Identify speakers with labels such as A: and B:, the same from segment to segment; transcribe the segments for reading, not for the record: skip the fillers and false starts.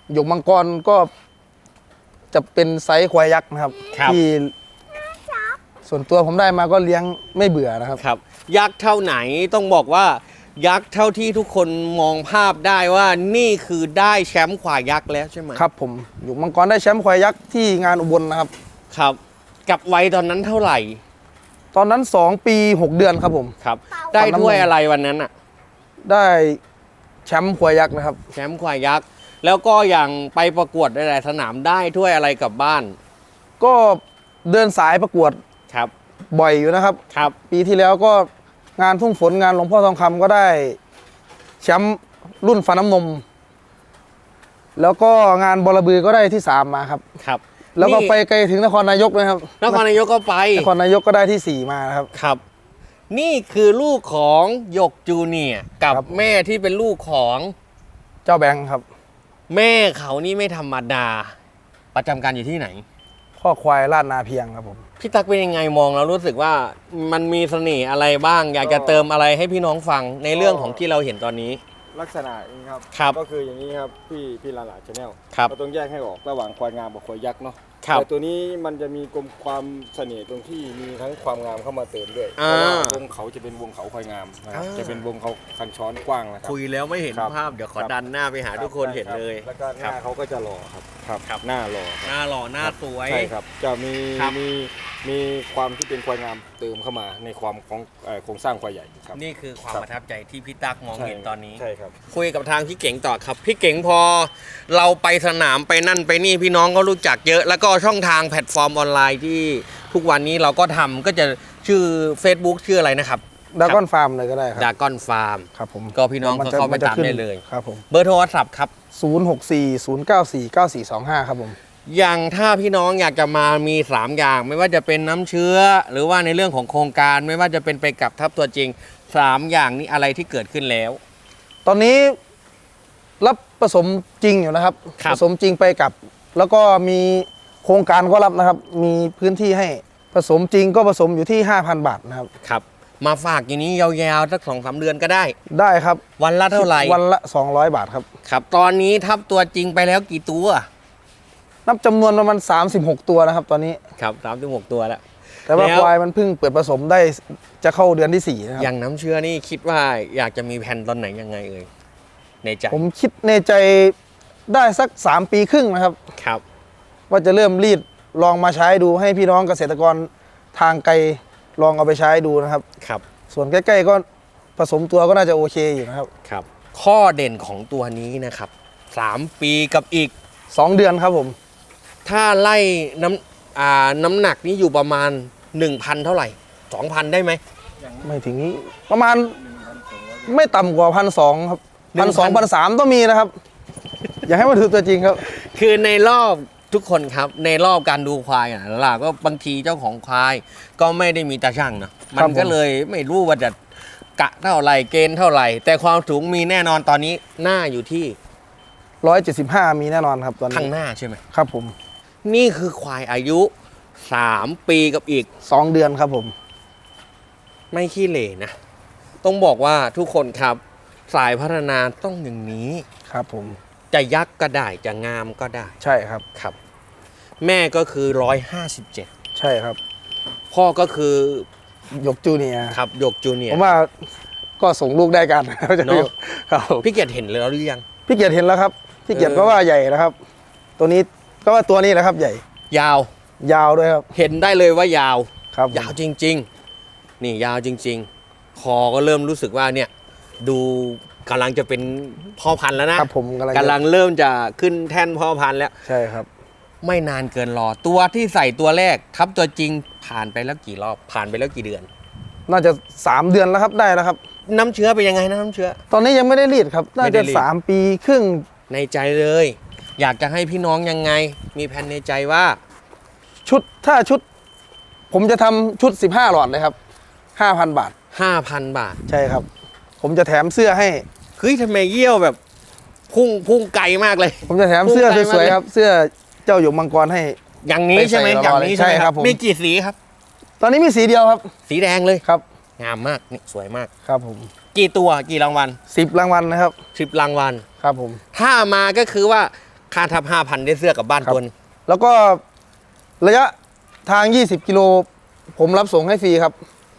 A: หยกมังกรก็จะเป็นไซส์ควายยักษ์นะครับที่ส่วนตัวผมได้มาก็เลี้ยงไม่เบื่อนะครับ
B: ครับยักษ์เท่าไหนต้องบอกว่ายักษ์เท่าที่ทุกคนมองภาพได้ว่านี่คือได้แชมป์ควายยักษ์แล้วใช่ไหม
A: ครับผมหยกมังกรได้แชมป์ควายยักษ์ที่งานอุบลนะครับ
B: ครับกับวัยตอนนั้นเท่าไหร่
A: ตอนนั้น2 ปี 6 เดือนครับผม
B: ครับได้ถ้วยอะไรวันนั้นอ่ะ
A: ได้แชมป์ควายยักษ์นะครับ
B: แชมป์ควายยักษ์แล้วก็อย่างไปประกวดหลายๆสนามได้ถ้วยอะไรกลับบ้าน
A: ก็เดินสายประกวด
B: ครับ
A: บ่อยอยู่นะครับ
B: ครับ
A: ปีที่แล้วก็งานทุ่งฝนงานหลวงพ่อทองคำก็ได้แชมป์รุ่นฟันน้ำนมแล้วก็งานบอระบือก็ได้ที่3มาครับ
B: ครับ
A: แล้วก็ไปไกลถึงนครนายกนะครับ
B: นครนายกก็ไป
A: นครนายกก็ได้ที่4มาครับ
B: ครับนี่คือลูกของหยกจูเนียร์กับแม่ที่เป็นลูกของ
A: เจ้าแบงค์ครับ
B: แม่เขานี่ไม่ธรรมดาประจำการอยู่ที่ไหน
A: ข้อควายลาดนาเพียงครับผม
B: พี่ตั๊กเป็นยังไงมองแล้วรู้สึกว่ามันมีเสน่ห์อะไรบ้างอยากจะเติมอะไรให้พี่น้องฟังในเรื่องของที่เราเห็นตอนนี้
C: ลักษณะนี้ครับก็คืออย่างนี้ครับพี่ลาลาชาแนลเราต้องแยกให้ออกระหว่างควายงามกับควายยักษ์เนาะแต่ตัวนี้มันจะมีความเสน่ห์ตรงที่มีทั้งความงามเข้ามาเติมด้วยเพราะว่าวงเขาจะเป็นวงเขาควายงามนะครับจะเป็นวงเขาคันช้อนกว้างนะครับ
B: คุยแล้วไม่เห็นภาพเดี๋ยวขอดันหน้าไปหาทุกคนเห็นเลย
C: แล้วก็หน้าเขาก็จะหล่อครับหน้าหล่อ
B: หน้าหล่อหน้าสวย
C: ใช่ครับจะมีความที่เป็นควายงามเติมเข้ามาในความของโครงสร้างควายใหญ่ครับ
B: นี่คือความประทับใจที่พี่ตั๊กมองเห็นตอนนี้
C: ใช่ครับ
B: คุยกับทางพี่เก๋งต่อครับพี่เก๋งพอเราไปสนามไปนั่นไปนี่พี่น้องก็รู้จักเยอะแล้วก็ช่องทางแพลตฟอร์มออนไลน์ที่ทุกวันนี้เราก็ทำก็จะชื่อ Facebook ชื่ออะไรนะครับ
A: ดากอนฟาร์มเลยก็ได้ครับ
B: ดากอนฟาร์ม
A: ครับผม
B: ก็พี่น้องเข้าไปตามได้เลย
A: ครับผม
B: เบอร์โทรศัพท์ครับ
A: 0640949425ครับผม
B: อย่างถ้าพี่น้องอยากจะมามี3อย่างไม่ว่าจะเป็นน้ำเชื้อหรือว่าในเรื่องของโครงการไม่ว่าจะเป็นไปกับทับตัวจริง3อย่างนี้อะไรที่เกิดขึ้นแล้ว
A: ตอนนี้รับผสมจริงอยู่นะครับผสมจริงไปกับแล้วก็มีโครงการก็รับนะครับมีพื้นที่ให้ผสมจริงก็ผสมอยู่ที่ 5,000 บาทนะครับ
B: ครับมาฝากอย่างนี้ยาวๆสัก 2-3 เดือนก็ได้
A: ได้ครับ
B: วันละเท่าไหร่
A: วันละ200 บาทครับ
B: ครับตอนนี้ทับตัวจริงไปแล้วกี่ตัว
A: นับจำนวนประมาณ36 ตัวนะครับตอนนี้
B: ครับ36 ตัวแล้ว
A: แต่ว่าควายมันเพิ่งเปิดผสมได้จะเข้าเดือนที่4นะครับ
B: อย่างน้ำเชื้อนี่คิดว่าอยากจะมีแผนตอนไหนยังไงเอ่ยในใจ
A: ผมคิดในใจได้สัก3 ปีครึ่งนะครับ
B: ครับ
A: ว่าจะเริ่มรีดลองมาใช้ดูให้พี่น้องเกษตรกรทางไกลลองเอาไปใช้ดูนะครับ
B: ครับ
A: ส่วนใกล้ๆก็ผสมตัวก็น่าจะโอเคอยู่นะครับ
B: ครับข้อเด่นของตัวนี้นะครับ3 ปีกับอีก
A: 2 เดือนครับผม
B: ถ้าไล่น้ำหนักนี้อยู่ประมาณ 1,000 เท่าไหร่ 2,000 ได้ไหม
A: ไม่ถึงประมาณไม่ต่ำกว่า1,200ครับ1,200-1,300ต้องมีนะครับอย่าให้มาถือตัวจริงครับ
B: คือในรอบทุกคนครับในรอบการดูควายล่ะก็บางทีเจ้าของควายก็ไม่ได้มีตาช่างนะมันก็เลยไม่รู้ว่าจะกะเท่าไหร่เกณฑ์เท่าไหร่แต่ความสูงมีแน่นอนตอนนี้หน้าอยู่ที่
A: 175มีแน่นอนครับตอนนี้
B: ข้างหน้าใช่ไหม
A: ครับผม
B: นี่คือควายอายุ3 ปีกับอีก
A: 2 เดือนครับผม
B: ไม่ขี้เหร่นะต้องบอกว่าทุกคนครับสายพัฒนาต้องอย่างนี้
A: ครับผม
B: จะยักษ์ก็ได้จะงามก็ได้
A: ใช่ครับ
B: ครับแม่ก็คือ157
A: ใช่ครับ
B: พ่อก็คือ
A: หยกจูเนียร์
B: ครับหยกจูเนียร์
A: ผมว่าก็ส่งลูกได้กัน
B: เนาะครับพี่เกียรติเห็นแล้วหรือยัง
A: พี่เกียรติเห็นแล้วครับพี่เกียรติก็ว่าใหญ่นะครับตัวนี้ก็ว่าตัวนี้แหละครับใหญ่
B: ยาว
A: ด้วยครับ
B: เห็นได้เลยว่ายาว
A: ครับ
B: ยาวจริงๆนี่ยาวจริงๆคอก็เริ่มรู้สึกว่าเนี่ยดูกำลังจะเป็นพ่อพันธุ์แล้วนะครับ
A: ผม
B: กำลังเริ่มจะขึ้นแท่นพ่อพันธุ์แล้ว
A: ใช่ครับ
B: ไม่นานเกินรอตัวที่ใส่ตัวแรกทับตัวจริงผ่านไปแล้วกี่รอบผ่านไปแล้วกี่เดือน
A: น่าจะ3 เดือนแล้วครับได้แล้วครับ
B: น้ำเชื้อเป็นยังไงนะน้ำเชื้อ
A: ตอนนี้ยังไม่ได้รีดครับน่าจะ3 ปีครึ่ง
B: ในใจเลยอยากจะให้พี่น้องยังไงมีแผนในใจว่า
A: ถ้าชุดผมจะทำชุด15 หลอดเลยครับ 5,000 บาท
B: 5,000 บาท
A: ใช่ครับผมจะแถมเสื้อให้
B: เฮ้ยทำไมเยี่ยวแบบพุ่งไกลมากเลย
A: ผมจะแถมเสื้อสวยๆครับเสื้อเจ้าหยกมังกรให้
B: อย่างนี้ใช่ไหมอย่างนี้ใช่ครับมีกี่สีครับ
A: ตอนนี้มีสีเดียวครับ
B: สีแดงเลย
A: ครับ
B: งามมากนี่สวยมาก
A: ครับผม
B: กี่ตัวกี่รางวัล
A: 10 รางวัลนะครับ
B: 10 รางวัล
A: ครับผม
B: ถ้ามาก็คือว่าค่าทับ 5,000 ได้เสื้อกลับบ้าน
A: ครับ
B: ตัวนึง
A: แล้วก็ระยะทาง 20 กิโลผมรับส่งให้ฟรีครับ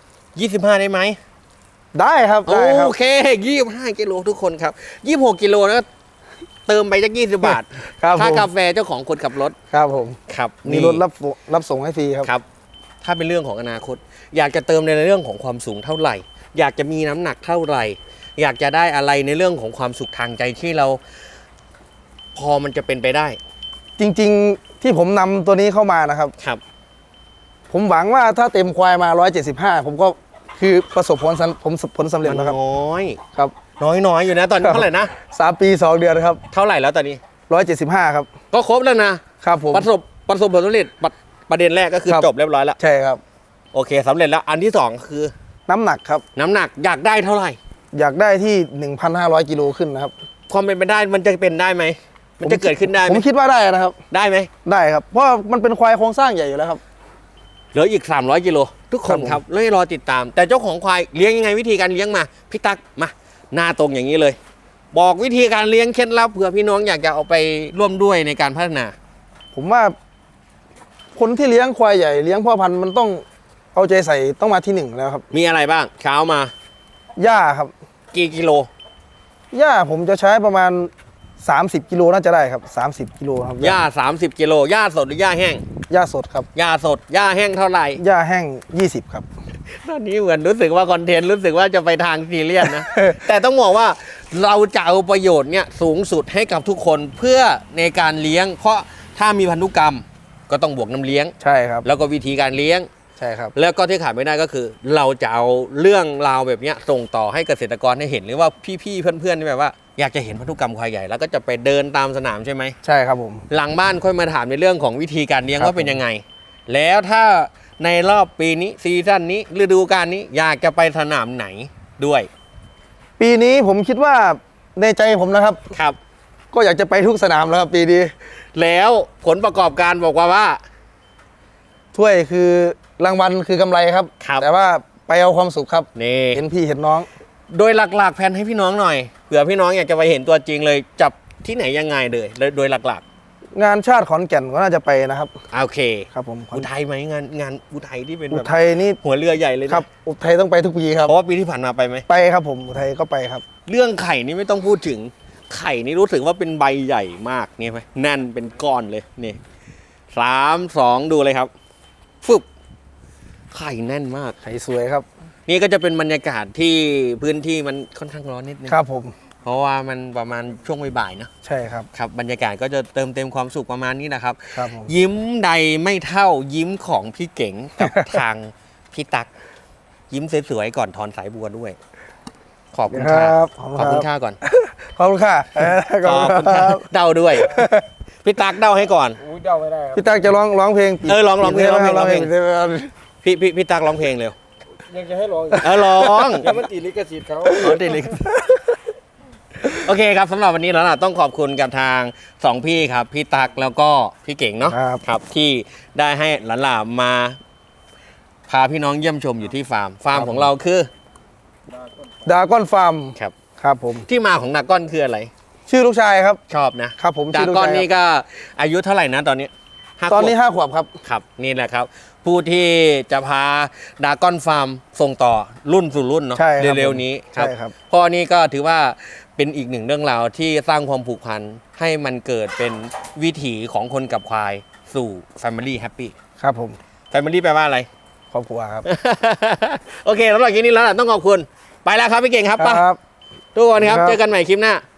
B: 25 ได้ไหม
A: ได้ครับได้ครับ
B: โอเค 25 กิโลทุกคนครับ 26 กิโลนะเติมไปจัก20 บาท
A: ครับ
B: ค่า
A: ผม
B: กาแฟเจ้าของคนขับรถ
A: ครับผม
B: ครับ
A: มีรถรับส่งให้ฟรีครับ
B: ครับ ถ้าเป็นเรื่องของอนาคต อยากจะเติมในเรื่องของความสูงเท่าไหร่ อยากจะมีน้ำหนักเท่าไหร่ อยากจะได้อะไรในเรื่องของความสุขทางใจที่เรา พอมันจะเป็นไปได้
A: จริงๆที่ผมนำตัวนี้เข้ามานะครับ
B: ครับ
A: ผมหวังว่าถ้าเต็มควายมา 175 ผมก็คือประสบผลสำเร็จ
B: มัน
A: แล้วครับ
B: น้อย
A: ครับ
B: น้อยอยู่นะตอนนี้เท่าไหร่นะ
A: 3 ปี 2 เดือนครับ
B: เท่าไหร่แล้วตอนนี้
A: 175 ครับ
B: ก็ครบแล้วนะครับ
A: ผม
B: ประสบผลสำเร็จประเด็นแรกก็คือ
A: ครับ
B: จบเรียบร้อยแล้ว
A: ใช่ครับ
B: โอเคสำเร็จแล้วอันที่สองคือ
A: น้ำหนักครับ
B: น้ำหนักอยากได้เท่าไหร่
A: อยากได้ที่ 1,500 กิโลขึ้นนะครับ
B: ความเป็นไปได้มันจะเป็นได้ไหมมันจะเกิดขึ้นได้ไห
A: ผม มคิดว่าได้นะครับ
B: ได้ไหม
A: ได้ครับ เพราะมันเป็นควายโครงสร้างใหญ่อยู่แล้วครับ
B: เหลืออีก 300 กิโลทุกคน
A: ครับผม
B: ครับเลยรอติดตาม แต่เจ้าของควายเลี้ยงยังไงวิธีการเลี้ยงมาพี่ตั๊กมาหน้าตรงอย่างนี้เลย บอกวิธีการเลี้ยงเคล็ดลับเผื่อพี่น้องอยากจะเอาไปร่วมด้วยในการพัฒนา
A: ผมว่า คนที่เลี้ยงควายใหญ่เลี้ยงพ่อพันธุ์มันต้องเอาใจใส่ต้องมาที่ 1 แล้วครับ
B: มีอะไรบ้างเช้ามา
A: หญ้าครับ
B: กี่กิโล
A: หญ้าผมจะใช้ประมาณ 30 กิโลน่าจะได้ครับ 30 กิโลครับ
B: หญ้า30 กิโลหญ้าสดหรือหญ้าแห้ง
A: หญ้าสดครับ
B: หญ้าสดหญ้าแห้งเท่าไหร่
A: หญ้าแห้ง 20 ครับ
B: ตอนนี้เหมือนรู้สึกว่าคอนเทนต์รู้สึกว่าจะไปทางซีเรียสนะ แต่ต้องบอกว่าเราจะเอาประโยชน์เนี่ยสูงสุดให้กับทุกคนเพื่อในการเลี้ยง เพราะถ้ามีพันธุกรรมก็ต้องบวกน้ำเลี้ยง
A: ใช่ครับ
B: แล้วก็วิธีการเลี้ยง
A: ใช่ครับ
B: แล้วก็ที่ขาดไม่ได้ก็คือ เราจะเอาเรื่องราวแบบเนี้ยส่งต่อให้เกษตรกรได้เห็นหรือว่าพี่ๆเพื่อนๆที่แบบว่าอยากจะเห็นพันธุกรรมควายใหญ่แล้วก็จะไปเดินตามสนามใช่ไหม
A: ใช่ครับผม
B: หลังบ้านค่อยมาถามในเรื่องของวิธีการเลี้ยง
A: ครับ
B: ว่าเป็นยังไง แล้วถ้าในรอบปีนี้ซีซั่นนี้ฤดูกาลนี้อยากจะไปสนามไหนด้วย
A: ปีนี้ผมคิดว่าในใจผมนะครับ
B: ครับ
A: ก็อยากจะไปทุกสนามแล้วครับปีนี้
B: แล้วผลประกอบการบอกว่า
A: ถ้วยคือรางวัลคือกำไรครับ
B: ครับ
A: แต่ว่าไปเอาความสุขครับ
B: นี่
A: เห็นพี่เห็นน้อง
B: โดยหลักๆแผนให้พี่น้องหน่อยเผื่อพี่น้องอยากจะไปเห็นตัวจริงเลยจับที่ไหนยังไงเลยโดยหลัก
A: งานชาติขอนแก่นก็น่าจะไปนะครับ
B: ๆโอเค
A: ครับผม
B: อุทัยไหมงานอุทัยที่เป็น
A: อุ
B: แบบ
A: ทัยนี่
B: หัวเรือใหญ่เลยนะครับ
A: อุทัยต้องไปทุกปีครับ
B: เพราะว่าปีที่ผ่านมาไปไหม
A: ไปครับผมอุทัยก็ไปครับ
B: เรื่องไข่นี่ไม่ต้องพูดถึงไข่นี่รู้สึกว่าเป็นใบใหญ่มากเนี่ยไหมแน่นเป็นก้อนเลยนี่3 2ดูเลยครับฟึบไข่แน่นมาก
A: ไข่สวยครับ
B: นี่ก็จะเป็นบรรยากาศที่พื้นที่มันค่อนข้างร้อนนิดนึง
A: ครับผม
B: เพราะว่ามันประมาณช่วงบ่ายๆเนอะ
A: ใช่ครับ
B: ครับบรรยากาศก็จะเติมเต็มความสุขประมาณนี้นะครับ
A: ครับผม
B: ยิ้มใดไม่เท่ายิ้มของพี่เก๋งกับ ทางพี่ตัก ยิ้มสวยๆก่อนถอนสายบัวด้วย ขอบคุณ
A: ค
B: ค่ะ
A: รับ
B: ขอบคุณค่าก่อน
A: ขอบคุณค่ะขอบคุณค
B: ค่ะ
A: รับ
B: เดาด้วย พี่ตักเดาให้ก่อน
C: อุ้ยเดาไม่ได้ครับ
A: พี่ตั๊กจะร้องเพลง
B: ร้องเพลง
A: ร้องเพลง
B: พี่ตักร้องเพลงเร็ว
C: ยังจะให้ร้องอีก
B: ร้อง
C: เดี๋ยวมันติดลิขสิทธิ์เขา
B: อ๋อติดเลยโอเคครับสำหรับวันนี้แล้วล่ะต้องขอบคุณกับทางสองพี่ครับ พี่ตักแล้วก็พี่เก่งเนาะ
A: ครับ
B: ที่ได้ให้หลานๆมาพาพี่น้องเยี่ยมชมอยู่ที่ฟาร์มของเราคือ
A: ดาก้อนฟาร์ม
B: ครับ
A: ครับผม
B: ที่มาของดากอนคืออะไร
A: ชื่อลูกชายครับ
B: ชอบนะครับ
A: ผม
B: ดา
A: ชื่อลูก
B: กอน
A: ชาย
B: นี่ก็อายุเท่าไหร่นะตอนนี้5
A: ตอนนี้
B: ขวบ
A: 5 ขวบครับ
B: ครับนี่แหละครับ ผู้ที่จะพาดากอนฟาร์มส่งต่อรุ่นสู่รุ่นเนาะ
A: ใช่ครับ
B: เร็วๆนี้ครับ
A: ใช่ครับ
B: พ่อนี่ก็ถือว่าเป็นอีกหนึ่งเรื่องราวที่สร้างความผูกพันให้มันเกิดเป็นวิถีของคนกับควายสู่ Family Happy
A: ครับผม
B: Family แปลว่าอะไร
A: ครอบครัวครับ
B: โอเคสำหรับคลิปนี้แล้วล่ะต้องขอบคุณ ไปแล้วครับพี่เก่งครับไป
A: ครับ
B: ทุกคนครับ
A: ครับ
B: เจอกันใหม่คลิปหน้า